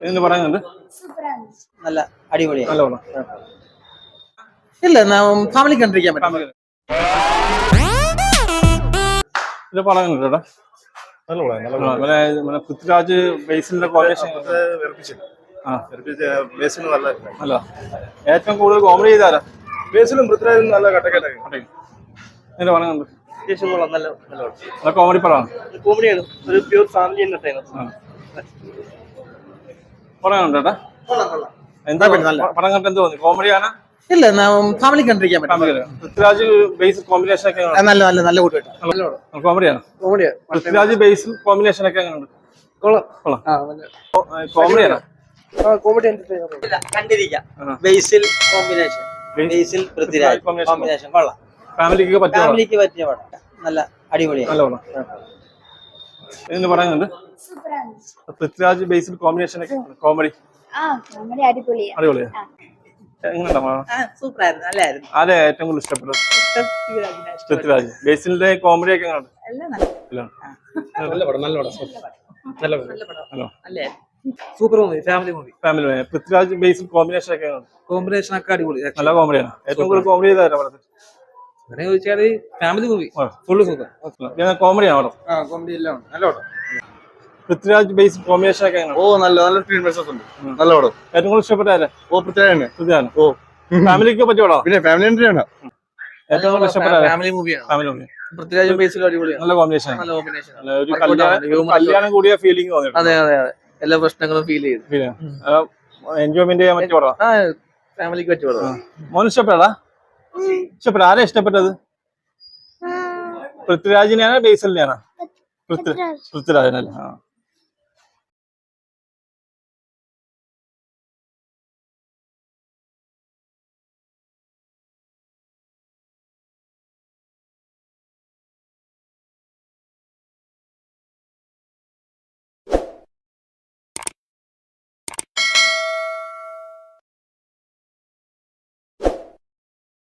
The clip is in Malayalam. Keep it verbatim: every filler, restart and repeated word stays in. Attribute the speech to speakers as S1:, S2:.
S1: എന്ന് പറയുന്നുണ്ട്.
S2: നല്ല അടിപൊളിയാണ്.
S1: നല്ല പടം.
S2: ഇല്ല ഫാമിലി കണ്ടിരിക്കാൻ പറ്റും.
S1: ഇത് പടം കണ്ടിട്ടാ പൃഥ്വിരാജ് ബേസിലിന്റെ കോമ്പിനേഷൻ അല്ല ഏറ്റവും കൂടുതൽ കോമഡി ചെയ്താരാ?
S3: ബേസിലും പൃഥ്വിരാജും നല്ല കട്ടക്കട്ടൊക്കെ.
S1: ഇതിന്റെ പടം കണ്ടു.
S2: നല്ല
S1: നല്ല കോമഡി പടമാണ്.
S2: കോമഡിയാണ്. ഒരു പ്യൂർ ഫാമിലി എന്റർടൈനർ.
S1: പടം കണ്ടേട്ടാ എന്താ പടം കണ്ടിട്ട് എന്ത് തോന്നി? കോമഡിയാണ്?
S2: ഇല്ല ഫാമിലി കണ്ടിരിക്കാൻ പറ്റും.
S1: പൃഥ്വിരാജ് ബേസ് കോമ്പിനേഷൻ ഒക്കെ
S2: നല്ല നല്ല നല്ല
S1: കോമഡിയാണ്.
S2: കോമഡിയാണ്.
S1: പൃഥ്വിരാജ് ബേസിൽ കോമ്പിനേഷൻ ഒക്കെ എങ്ങനെയുണ്ട്? കോമഡിയാണ്.
S2: കോമഡി കണ്ടിരിക്കാം. ബേസിൽ കോമ്പിനേഷൻ. ബേസിൽ പൃഥ്വിരാജ് കോമ്പിനേഷൻ കൊള്ളാം.
S1: ഫാമിലിക്ക് പറ്റിയ
S2: ഫാമിലിക്ക് പറ്റിയ പടം. നല്ല അടിപൊളിയാണ്.
S1: നല്ല പടം. എന്ന് പറയുന്നുണ്ട്. പൃഥ്വിരാജ് ബേസിൽ കോമ്പിനേഷൻ ഒക്കെ കോമഡി അടിപൊളിയാ.
S2: സൂപ്പറായിരുന്നു. നല്ലായിരുന്നു.
S1: ആരെ ഏറ്റവും കൂടുതൽ ഇഷ്ടപ്പെട്ടത്? പൃഥ്വിരാജ്. ബേസിലിന്റെ കോമഡി ഒക്കെ എങ്ങനെയുണ്ട്?
S2: Super movie. Family movie.
S1: Family movie. Prithviraj Basil combination ഒക്കെ
S2: കോമ്പിനേഷൻ ഒക്കെ അടിപൊളി.
S1: നല്ല കോമഡിയാണ്. ഏറ്റവും കൂടുതൽ കോമഡി ചെയ്താരാ പടത്തിൽ?
S2: അങ്ങനെ ചോദിച്ചാല് ഫാമിലി മൂവി ഫുള്ള് സൂപ്പർ.
S1: കോമഡിയാണ് പടം.
S2: കോമഡി എല്ലാം നല്ല പടം.
S1: പൃഥ്വിരാജ് ബേസ് കോമ്പിനേഷൻ ഒക്കെ
S3: ഓ നല്ല നല്ല സ്ക്രീൻ പ്രസൻസ് ഉണ്ട്. നല്ല പടം.
S1: ഏറ്റവും കൂടുതൽ ഇഷ്ടപ്പെട്ട
S3: ഓ പൃഥ്വിരാജ്.
S1: പൃഥ്വിരാജ്.
S3: ഓ
S1: ഫാമിലിക്ക് പറ്റിയ പടം.
S3: പിന്നെ ഫാമിലി എൻട്രിയാണ്.
S1: ഏറ്റവും കൂടുതൽ ഇഷ്ടപ്പെട്ട
S2: ഫാമിലി മൂവിയാണ്.
S1: Family movie.
S2: പൃഥ്വിരാജും ബേസിലും അടിപൊളിയാണ്.
S1: നല്ല കോമ്പിനേഷൻ.
S2: നല്ല കോമ്പിനേഷൻ.
S1: ഒരു കല്യാണം കൂടിയ ഫീലിംഗ് തോന്നി.
S2: അതെ അതെ അതെ. എല്ലാ പ്രശ്നങ്ങളും ഫീൽ ചെയ്തു.
S1: എൻജോയ്മെന്റ് ചെയ്യാൻ പറ്റിയ പടം.
S2: ഫാമിലിക്ക് പറ്റിയ പടം.
S1: മോൻ ഇഷ്ടപ്പെടാ? ഇഷ്ടപ്പെട്ട ആരാ ഇഷ്ടപ്പെട്ടത്? പൃഥ്വിരാജിനെയാണോ ബേസിലിനെയാണോ? പൃഥ്വിരാജിനല്ലേ. ആ